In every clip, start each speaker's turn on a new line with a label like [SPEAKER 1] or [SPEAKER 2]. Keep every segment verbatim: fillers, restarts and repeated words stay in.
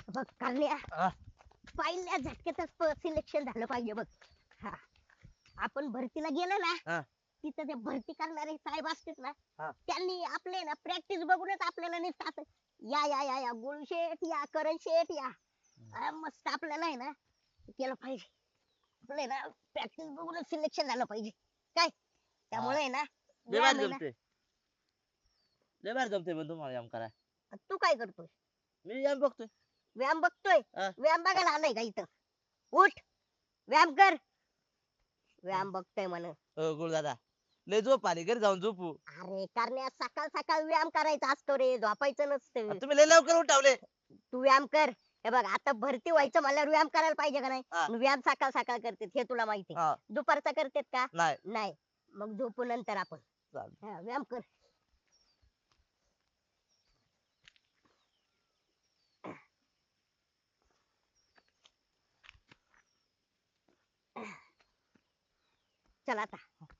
[SPEAKER 1] बघ करण्या
[SPEAKER 2] हा.
[SPEAKER 1] पहिल्या झटक्यातच सिलेक्शन झालं पाहिजे बघ. हा आपण भरतीला गेलो
[SPEAKER 2] हा.
[SPEAKER 1] ना तिथं ते भरती करणारे साहेब असतात ना
[SPEAKER 2] हा.
[SPEAKER 1] त्यांनी आपले ना प्रॅक्टिस बघूनच आपल्याला नुसतं या या या या गुळ शेट या करण शेट या अं, मस्त आपल्याला आहे ना केलं पाहिजे. आपलं आहे ना प्रॅक्टिस बघूनच सिलेक्शन झालं पाहिजे काय त्यामुळे आहे ना
[SPEAKER 2] लय
[SPEAKER 1] व्यायाम
[SPEAKER 2] भारी
[SPEAKER 1] आहे ना.
[SPEAKER 2] जमते लय भारी जमते पण तुम्हाला व्यायाम कराय.
[SPEAKER 1] तू काय करतोय?
[SPEAKER 2] मी व्यायाम बघतोय.
[SPEAKER 1] व्यायाम बघतोय?
[SPEAKER 2] हा.
[SPEAKER 1] व्यायाम बघायला आलाय का इथं? उठ व्यायाम कर. व्यायाम बघतोय म्हण.
[SPEAKER 2] हो गुळ दादा लय झोप आली घरी जाऊन झोपू.
[SPEAKER 1] अरे करण्या सकाळ सकाळ व्यायाम करायचा असतो रे झोपायचं नसतं.
[SPEAKER 2] तुम्ही लय लवकर उठावले.
[SPEAKER 1] तू व्यायाम कर. हे बघ आता भरती व्हायचं म्हणल्यावर व्यायाम करायला पाहिजे का नाही?
[SPEAKER 2] हा.
[SPEAKER 1] मग व्यायाम सकाळ सकाळ करतेत हे तुला माहिती आहे.
[SPEAKER 2] हा.
[SPEAKER 1] दुपारचा करतेत का?
[SPEAKER 2] नाही
[SPEAKER 1] नाही. मग झोपू नंतर आपण.
[SPEAKER 2] चालतं.
[SPEAKER 1] हा, व्यायाम कर. चल आता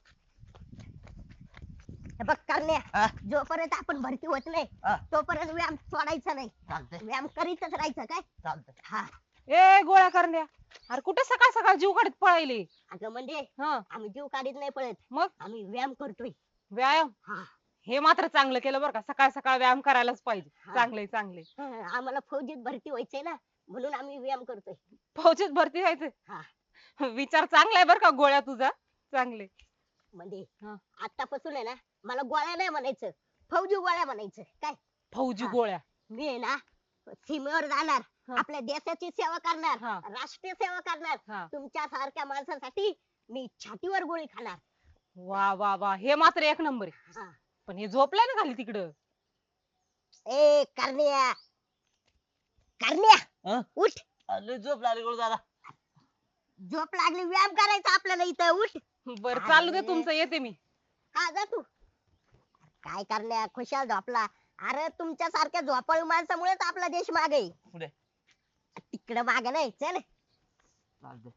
[SPEAKER 1] हे बघ करण्या
[SPEAKER 2] हा.
[SPEAKER 1] जोपर्यंत आपण भरती होत नाही
[SPEAKER 2] हा.
[SPEAKER 1] तोपर्यंत व्यायाम सोडायचा नाही.
[SPEAKER 2] चालतंय
[SPEAKER 1] व्यायाम करीतच राहायचं काय.
[SPEAKER 2] चालतंय.
[SPEAKER 1] हा
[SPEAKER 3] ए गोळ्या करण्या अरे कुठे सकाळ सकाळ जीव काढत पळायले.
[SPEAKER 1] अगं म्हणजे
[SPEAKER 3] हा
[SPEAKER 1] आम्ही जीव काढीत नाही पळत
[SPEAKER 3] मग
[SPEAKER 1] आम्ही व्यायाम करतोय.
[SPEAKER 3] व्यायाम
[SPEAKER 1] हा
[SPEAKER 3] हे मात्र चांगलं केलं बरं का सकाळ सकाळ व्यायाम करायलाच पाहिजे.
[SPEAKER 1] हा.
[SPEAKER 3] चांगले चांगले
[SPEAKER 1] हा, आम्हाला फौजीत भरती व्हायचंय ना म्हणून आम्ही व्यायाम करतोय.
[SPEAKER 3] फौजीत भरती
[SPEAKER 1] हा.
[SPEAKER 3] व्हायचं विचार चांगला आहे बरं का गोळ्या तुझा चांगले.
[SPEAKER 1] म्हणजे
[SPEAKER 3] हा.
[SPEAKER 1] आतापासून आहे ना मला गोळ्या नाही म्हणायचं फौजी गोळ्या म्हणायचं काय.
[SPEAKER 3] फौजी
[SPEAKER 1] हा.
[SPEAKER 3] गोळ्या
[SPEAKER 1] मी आहे ना सीमेवर जाणार
[SPEAKER 3] हा.
[SPEAKER 1] आपल्या देशाची सेवा करणार
[SPEAKER 3] हा.
[SPEAKER 1] राष्ट्रीय सेवा करणार.
[SPEAKER 3] हा.
[SPEAKER 1] तुमच्या सारख्या माणसासाठी मी छातीवर गोळी खाणार.
[SPEAKER 3] वा वा वा हे मात्र एक नंबर आहे.
[SPEAKER 1] हा.
[SPEAKER 3] पण हे झोपलाय ना खाली तिकडं.
[SPEAKER 1] ए करण्या करण्या
[SPEAKER 2] हा?
[SPEAKER 1] उठ.
[SPEAKER 2] लय झोप लागली गुळ दादा.
[SPEAKER 1] झोप लागली व्यायाम करायचा आपल्याला इथं उठ.
[SPEAKER 3] बर
[SPEAKER 1] अरे.
[SPEAKER 3] चालू दे तुमचं येते मी.
[SPEAKER 1] हा जा तू. काय करण्या खुशाल झोपला. अरे तुमच्या सारख्या झोपाळू माणसामुळेच आपला देश मागे आहे.
[SPEAKER 2] पुढे
[SPEAKER 1] तिकडं मागे नाही चल.
[SPEAKER 2] चालतंय.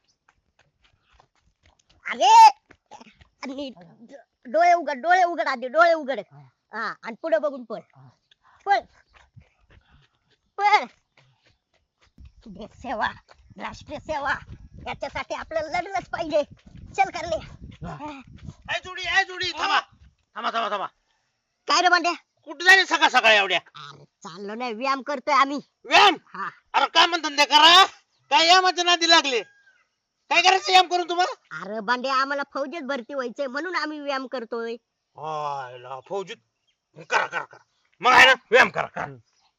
[SPEAKER 1] अरे नीट डोळे उघड डोळे उघड आधी डोळे उघड. हा आणि पुढे बघून पळ.
[SPEAKER 2] हा.
[SPEAKER 1] पळ पळ. देश सेवा राष्ट्रीय सेवा याच्यासाठी आपल्याला लढलंच पाहिजे. चल करण्या.
[SPEAKER 4] ए जोडी ए जोडी थांबा थांबा थांबा थांबा
[SPEAKER 1] काय रे बांड्या?
[SPEAKER 4] कुठे जाणे सकाळ सकाळ एवढ्या
[SPEAKER 1] अरे चाललो नाही व्यायाम करतोय आम्ही.
[SPEAKER 4] व्यायाम
[SPEAKER 1] हा
[SPEAKER 4] अरे काय म्हणतात ते करा काय यामाच्या नादी लागले काय करायचं याम करून तुम्हाला
[SPEAKER 1] अरे बांड्या आम्हाला फौजेत भरती व्हायचंय म्हणून आम्ही व्यायाम करतोय.
[SPEAKER 4] हायला फौजीत करा करा करा मग आहे ना व्यायाम करा करा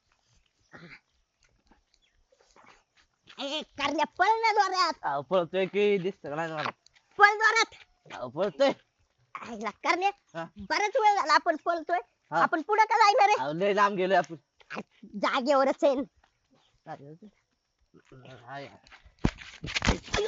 [SPEAKER 1] ए करण्या पळ ना जोरात.
[SPEAKER 2] अहो, पळतोय की दिसत का नाही मला.
[SPEAKER 1] पळ जोरात.
[SPEAKER 2] अहो, पळतोय.
[SPEAKER 1] आईला करण्या
[SPEAKER 2] हा.
[SPEAKER 1] बराच वेळ झाला आपण पळतोय.
[SPEAKER 2] हा.
[SPEAKER 1] आपण पुढे का जायना रे?
[SPEAKER 2] अहो, लय लांब गेलोय आपण.
[SPEAKER 1] जागेवरच आहे.
[SPEAKER 2] हाय.
[SPEAKER 1] अयो.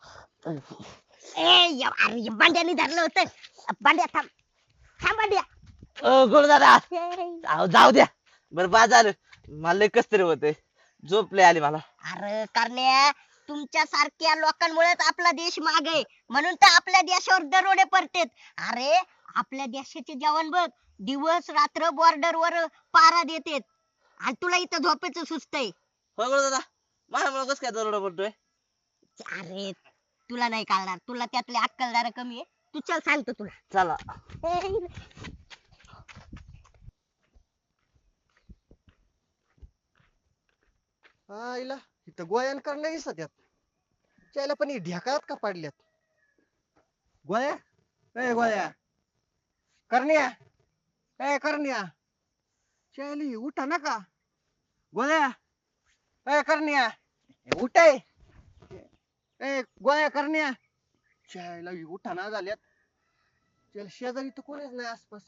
[SPEAKER 1] ए या- अरे बांड्याने धरलं होतं. बांड्या थांब थांब बांड्या.
[SPEAKER 2] अ गुळ दादा
[SPEAKER 1] ए,
[SPEAKER 2] अहो जाऊ द्या. बरं बाद झालं मला लय कस तरी होतंय. झोप लय आली मला.
[SPEAKER 1] अरे करण्या तुमच्या सारख्या लोकांमुळेच आपला देश मागे आहे. म्हणून तर आपल्या देशावर दरोडे पडतेत. अरे आपल्या देशाचे जवान बघ दिवस रात्र बॉर्डर वर पारा देतेत आणि तुला इथं झोपेचं सुस्त आहे.
[SPEAKER 2] हो गुळ दादा माझ्यामुळे कस काय दरोडा पडतोय.
[SPEAKER 1] अरे तुला नाही कळणार तुला त्यातले अक्कल जरा कमी आहे. तू चल सांगतो तुला.
[SPEAKER 2] चला.
[SPEAKER 1] ए,
[SPEAKER 5] आईला इथं गोयान करणं दिसत यात त्याला पण ही ढेकाळात का पाडल्यात गोळ्या ए गोळ्या करण्या ए करण्या चायली उठा ना का गोळ्या ए करण्या ए, उठ ए ए, गोळ्या करण्या चायला उठा ना झाल्यात त्याला शेजारी तर कोणीच नाही आसपास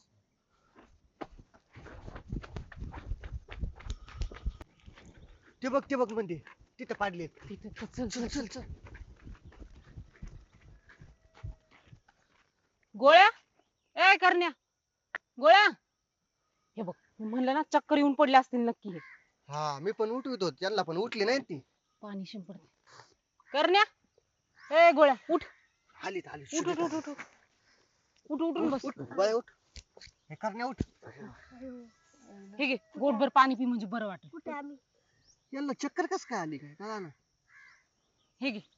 [SPEAKER 5] ते बघ ते बघ म्हणजे तिथं पाडलेत
[SPEAKER 3] तिथे चल
[SPEAKER 5] चल चल चल
[SPEAKER 3] गोळ्या ए करण्या गोळ्या हे बघ मी म्हणलं ना चक्कर येऊन पडले असतील नक्की हे.
[SPEAKER 5] हा मी पण उठवित होतो त्यांना पण उठली नाही ती
[SPEAKER 3] पाणी शिंपडते करण्या ए गोळ्या उठ
[SPEAKER 5] आलीत आली
[SPEAKER 3] उठ उठ उठ उठ उठ. उठ उठून बस
[SPEAKER 5] उठ गोळ्या उठ हे करण्या उठ
[SPEAKER 3] हे घे गोटभर पाणी पी म्हणजे बरं वाटेल.
[SPEAKER 1] कुठे आम्ही
[SPEAKER 5] यांना चक्कर कस काय आली काय कळा ना.
[SPEAKER 3] हे घे.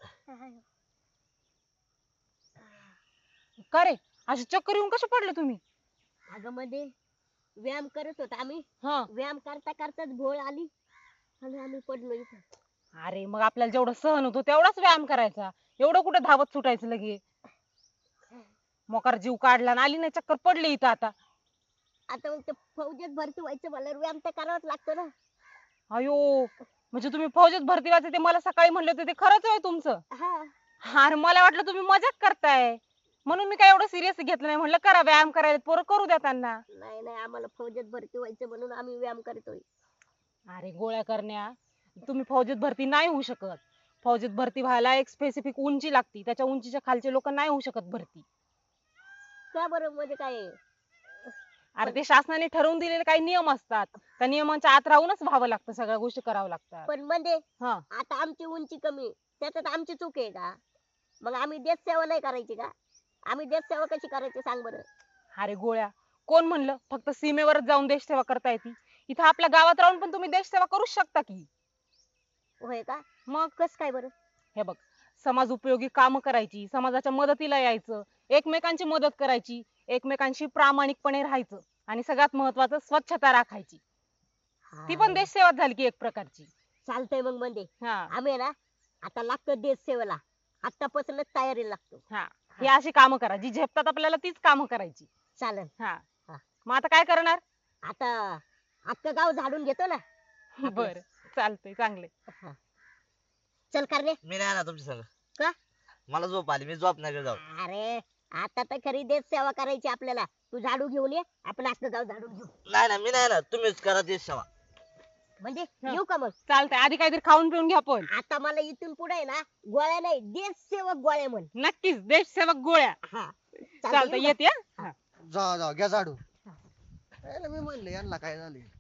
[SPEAKER 3] का रे अशी चक्कर येऊन कशा पडले तुम्ही?
[SPEAKER 1] अगं मध्ये व्यायाम करत होतो आम्ही,
[SPEAKER 3] हा.
[SPEAKER 1] व्यायाम करता करताच भोळ आली आणि आम्ही पडलो इथं.
[SPEAKER 3] अरे मग आपल्याला जेवढं सहन होतो तेवढाच व्यायाम करायचा, एवढं कुठे धावत सुटायचं लगे. मोकार जीव काढला आणि आली नाही चक्कर पडली इथं आता.
[SPEAKER 1] आता मग ते फौजेत भरती व्हायचं म्हणल्यावर व्यायाम तर करावाच लागतो ना.
[SPEAKER 3] अयो म्हणजे तुम्ही फौजेत भरती व्हायचं ते मला सकाळी म्हणले होते ते खरंच आहे तुमचं?
[SPEAKER 1] हा
[SPEAKER 3] अरे मला वाटलं तुम्ही मजाक करताय, म्हणून मी काय एवढं सिरियस घेतलं नाही. म्हणलं करा व्यायाम करायला, पोरं करू द्या त्यांना.
[SPEAKER 1] नाही नाही आम्हाला फौजेत भरती व्हायचं म्हणून आम्ही व्यायाम करतोय.
[SPEAKER 3] अरे गोळ्या करण्या, तुम्ही फौजेत भरती नाही होऊ शकत. फौजेत भरती व्हायला एक स्पेसिफिक उंची लागती, त्याच्या उंचीच्या खालचे लोक नाही होऊ शकत भरती.
[SPEAKER 1] का बरं म्हणजे काय?
[SPEAKER 3] अरे ते शासनाने ठरवून दिलेले काही नियम असतात, त्या नियमांच्या आत राहूनच व्हावं लागतं, सगळ्या गोष्टी कराव्या लागतात.
[SPEAKER 1] पण म्हणजे
[SPEAKER 3] हा.
[SPEAKER 1] आता आमची उंची कमी, त्याच्यात आमची चूक आहे का? मग आम्ही देश सेवा नाही करायची का? आम्ही देश सेवा कशी करायची सांग बरं.
[SPEAKER 3] अरे गोळ्या, कोण म्हणलं फक्त सीमेवरच जाऊन देश सेवा करता येते? इथं आपल्या गावात राहून पण तुम्ही देश सेवा करूच शकता की.
[SPEAKER 1] होय का?
[SPEAKER 3] मग
[SPEAKER 1] कस काय बरं?
[SPEAKER 3] हे बघ, समाज उपयोगी काम करायची, समाजाच्या मदतीला यायचं, एकमेकांची मदत करायची, एकमेकांशी प्रामाणिकपणे राहायचं, आणि सगळ्यात महत्वाचं स्वच्छता राखायची. ती पण देश सेवा झाली की एक प्रकारची.
[SPEAKER 1] चालतंय मग म्हणजे
[SPEAKER 3] हा
[SPEAKER 1] आम्ही आहे ना आता लागतो देश सेवेला, आतापासूनच तयारीला लागतो.
[SPEAKER 3] हा ही अशी कामं करा जी झेपतात आपल्याला, तीच कामं करायची.
[SPEAKER 1] चालेल.
[SPEAKER 3] हा
[SPEAKER 1] हा.
[SPEAKER 3] मग आता काय करणार?
[SPEAKER 1] आता अख्खं गाव झाडून घेतो ना.
[SPEAKER 3] बर चालतंय, चांगले.
[SPEAKER 1] हा. चल करणे.
[SPEAKER 2] मी नाही ना तुमच्या संग.
[SPEAKER 1] का?
[SPEAKER 2] मला झोप आली, मी झोप नाही जाऊ.
[SPEAKER 1] अरे आता तर खरी देश सेवा करायची आपल्याला. तू झाडू घेऊन ये, आपण अख्खं गाव झाडून घेऊ.
[SPEAKER 2] नाही ना मी नाही ना, तुम्हीच करा देश सेवा.
[SPEAKER 1] म्हणजे
[SPEAKER 3] हा.
[SPEAKER 1] येऊ का मग?
[SPEAKER 3] चालतंय, आधी काहीतरी खाऊन पिऊन घ्या पण.
[SPEAKER 1] आता मला इथून पुढे ना गोळ्या नाही, देश सेवक गोळ्या म्हण.
[SPEAKER 3] नक्कीच देश सेवक गोळ्या.
[SPEAKER 1] हा
[SPEAKER 3] चालतंय,
[SPEAKER 1] येऊ का?
[SPEAKER 3] येते.
[SPEAKER 5] जा जा घ्या झाडू. यायला मी म्हणलं यांना काय झाले.